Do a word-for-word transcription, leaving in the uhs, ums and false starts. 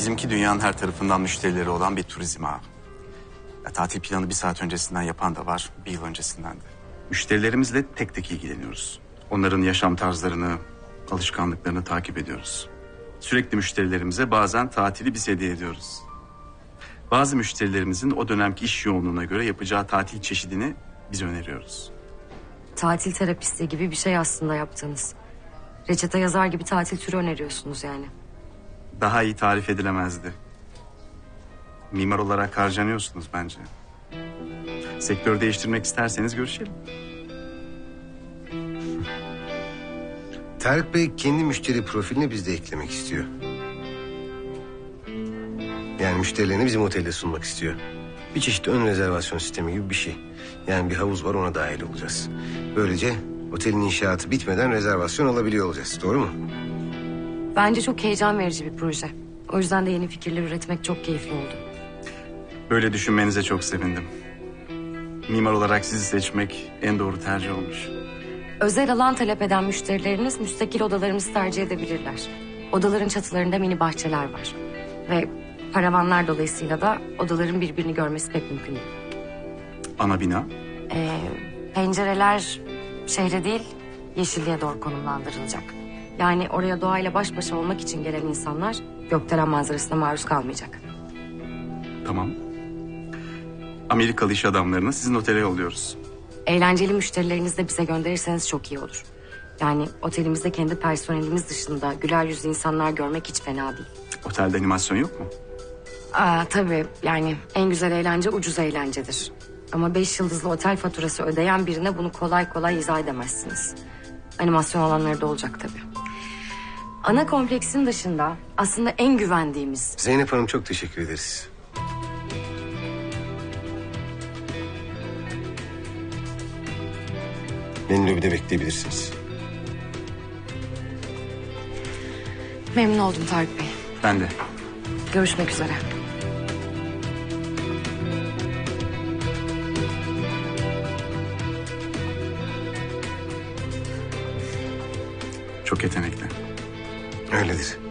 Bizimki dünyanın her tarafından müşterileri olan bir turizm ağı. Ya, tatil planı bir saat öncesinden yapan da var, bir yıl öncesinden de. Müşterilerimizle tek tek ilgileniyoruz. Onların yaşam tarzlarını, alışkanlıklarını takip ediyoruz. Sürekli müşterilerimize bazen tatili biz hediye ediyoruz. Bazı müşterilerimizin o dönemki iş yoğunluğuna göre yapacağı tatil çeşidini biz öneriyoruz. Tatil terapisti gibi bir şey aslında yaptığınız. Reçete yazar gibi tatil türü öneriyorsunuz yani. Daha iyi tarif edilemezdi. Mimar olarak harcanıyorsunuz bence. Sektör değiştirmek isterseniz görüşelim. Tarık Bey kendi müşteri profilini bizde eklemek istiyor. Yani müşterilerini bizim otelde sunmak istiyor. Bir çeşit ön rezervasyon sistemi gibi bir şey. Yani bir havuz var, ona dahil olacağız. Böylece otelin inşaatı bitmeden rezervasyon alabiliyor olacağız. Doğru mu? Bence çok heyecan verici bir proje. O yüzden de yeni fikirler üretmek çok keyifli oldu. Böyle düşünmenize çok sevindim. Mimar olarak sizi seçmek en doğru tercih olmuş. Özel alan talep eden müşterileriniz müstakil odalarımızı tercih edebilirler. Odaların çatılarında mini bahçeler var. Ve paravanlar dolayısıyla da odaların birbirini görmesi pek mümkün değil. Ana bina. Ee, pencereler şehre değil, yeşilliğe doğru konumlandırılacak. Yani oraya doğayla baş başa olmak için gelen insanlar gökdelen manzarasına maruz kalmayacak. Tamam. Amerikalı iş adamlarını sizin otele yolluyoruz. Eğlenceli müşterilerinizi de bize gönderirseniz çok iyi olur. Yani otelimizde kendi personelimiz dışında güler yüzlü insanlar görmek hiç fena değil. Otelde animasyon yok mu? Aa, tabii yani en güzel eğlence ucuz eğlencedir. Ama beş yıldızlı otel faturası ödeyen birine bunu kolay kolay izah edemezsiniz. Animasyon alanları da olacak tabii. Ana kompleksin dışında aslında en güvendiğimiz... Zeynep Hanım çok teşekkür ederiz. Beni lobide bekleyebilirsiniz. Memnun oldum Tarık Bey. Ben de. Görüşmek üzere. Çok yetenekli. Öyledir.